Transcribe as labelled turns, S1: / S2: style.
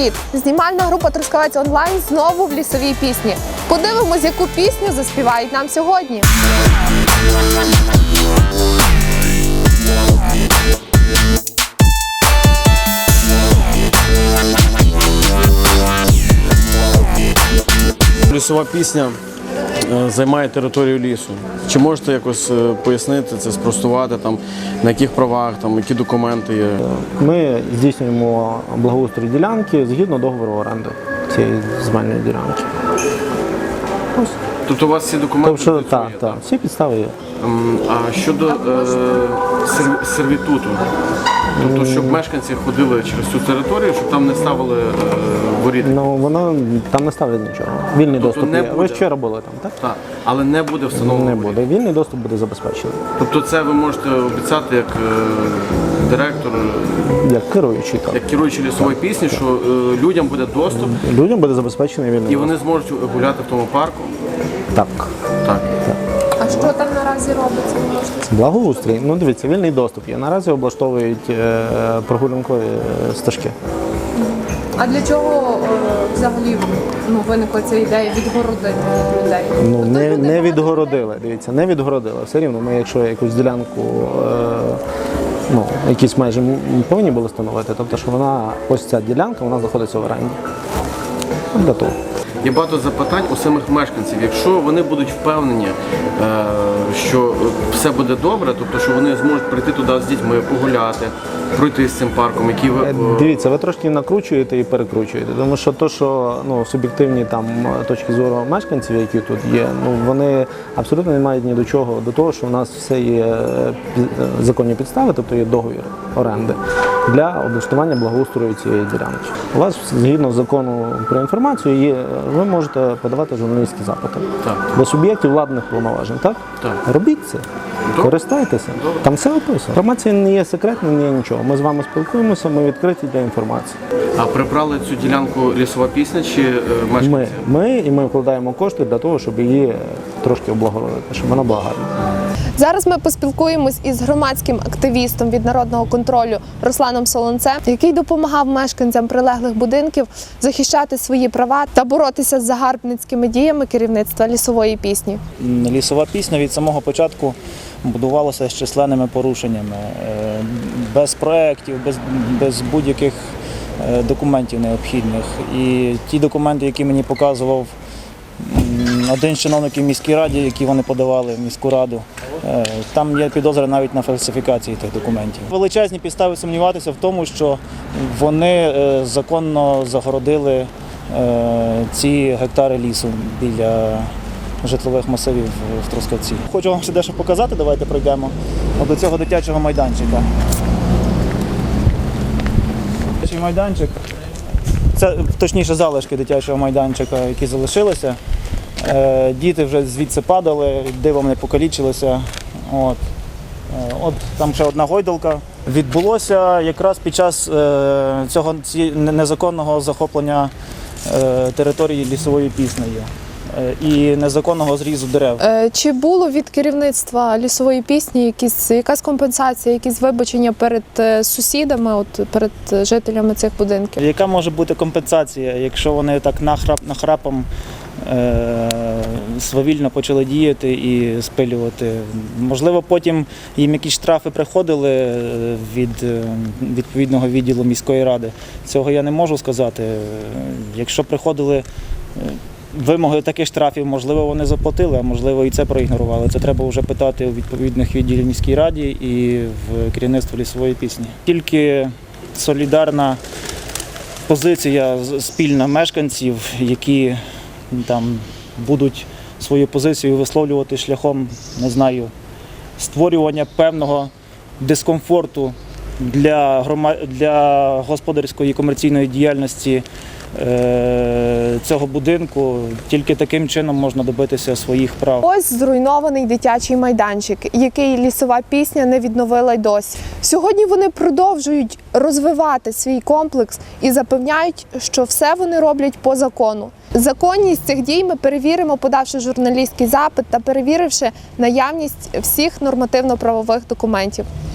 S1: Привіт! Знімальна група «Трускавець онлайн» знову в лісовій пісні. Подивимось, яку пісню заспівають нам сьогодні.
S2: Лісова пісня займає територію лісу. Чи можете якось пояснити це, спростувати, там, на яких правах, там, які документи є?
S3: Ми здійснюємо благоустрій ділянки згідно договору оренди цієї земельної ділянки.
S2: Тобто у вас всі документи?
S3: Тобто, так, всі підстави є.
S2: А щодо сервітуту? Тобто, щоб мешканці ходили через цю територію, щоб там не ставили воріт?
S3: Ну, воно там не ставлять нічого. Вільний доступ є. Ви вчора були там, так?
S2: Так, але не буде встановлено?
S3: Не буде. Вільний доступ буде забезпечений.
S2: Тобто це ви можете обіцяти як директор,
S3: Як керуючий, так.
S2: як керуючий лісової пісні, що людям буде доступ
S3: Людям буде забезпечений вільний
S2: і
S3: доступ.
S2: вони зможуть гуляти в тому парку?
S3: Так.
S2: Так.
S1: А що там наразі робиться? Ви можете сказати?
S3: Благоустрій. Ну, дивіться, вільний доступ є. Наразі облаштовують прогулянкові стежки.
S1: А для чого взагалі виникла ця ідея відгородити людей?
S3: Ну,
S1: Тобто
S3: не
S1: люди
S3: відгородили, дивіться, не відгородили. Все рівно ми, якщо якусь ділянку, якісь межі повинні були встановити, тобто, що вона, ось ця ділянка, вона знаходиться в оренді. Для того.
S2: Є багато запитань у самих мешканців. Якщо вони будуть впевнені, що все буде добре, тобто, що вони зможуть прийти туди з дітьми, погуляти, пройти з цим парком, який ви...
S3: Дивіться, ви трошки накручуєте і перекручуєте, тому що то, що суб'єктивні там точки зору мешканців, які тут є, вони абсолютно не мають ні до чого, до того, що у нас все є законні підстави, тобто є договір оренди для облаштування благоустрою цієї ділянки. У вас, згідно закону про інформацію, ви можете подавати журналістські запити до суб'єктів владних повноважень, так?
S2: Так.
S3: Робіть це, користайтеся. Там все описано. Інформація не є секретною, не є нічого. Ми з вами спілкуємося, ми відкриті для інформації.
S2: А прибрали цю ділянку лісова пісня чи мешканці?
S3: Ми вкладаємо кошти для того, щоб її трошки облагородити, щоб вона була гарна.
S1: Зараз ми поспілкуємось із громадським активістом від народного контролю Русланом Солонцем, який допомагав мешканцям прилеглих будинків захищати свої права та боротися з загарбницькими діями керівництва лісової пісні.
S4: Лісова пісня від самого початку будувалася з численними порушеннями, без проєктів, без будь-яких документів необхідних. І ті документи, які мені показував один з чиновників міській раді, які вони подавали в міську раду, там є підозри навіть на фальсифікації тих документів. Величезні підстави сумніватися в тому, що вони законно загородили ці гектари лісу біля житлових масивів в Трускавці. Хочу вам ще дещо показати, давайте пройдемо до цього дитячого майданчика. Дитячий майданчик, це точніше залишки дитячого майданчика, які залишилися. Діти вже звідси падали, дивом не покалічилися. От там ще одна гойдалка. Відбулося якраз під час цього незаконного захоплення території лісової піснею і незаконного зрізу дерев.
S1: Чи було від керівництва лісової пісні якась компенсація, якісь вибачення перед сусідами, перед жителями цих будинків?
S4: Яка може бути компенсація, якщо вони так нахрапом свавільно почали діяти і спилювати? Можливо, потім їм якісь штрафи приходили від відповідного відділу міської ради. Цього я не можу сказати. Якщо приходили вимоги таких штрафів, можливо, вони заплатили, а можливо і це проігнорували. Це треба вже питати у відповідних відділів міській раді і в керівництво лісової пісні. Тільки солідарна позиція спільна мешканців, які там будуть свою позицію висловлювати шляхом, не знаю, створювання певного дискомфорту для господарської і комерційної діяльності цього будинку. Тільки таким чином можна добитися своїх прав.
S1: Ось зруйнований дитячий майданчик, який лісова пісня не відновила й досі. Сьогодні вони продовжують розвивати свій комплекс і запевняють, що все вони роблять по закону. Законність цих дій ми перевіримо, подавши журналістський запит та перевіривши наявність всіх нормативно-правових документів.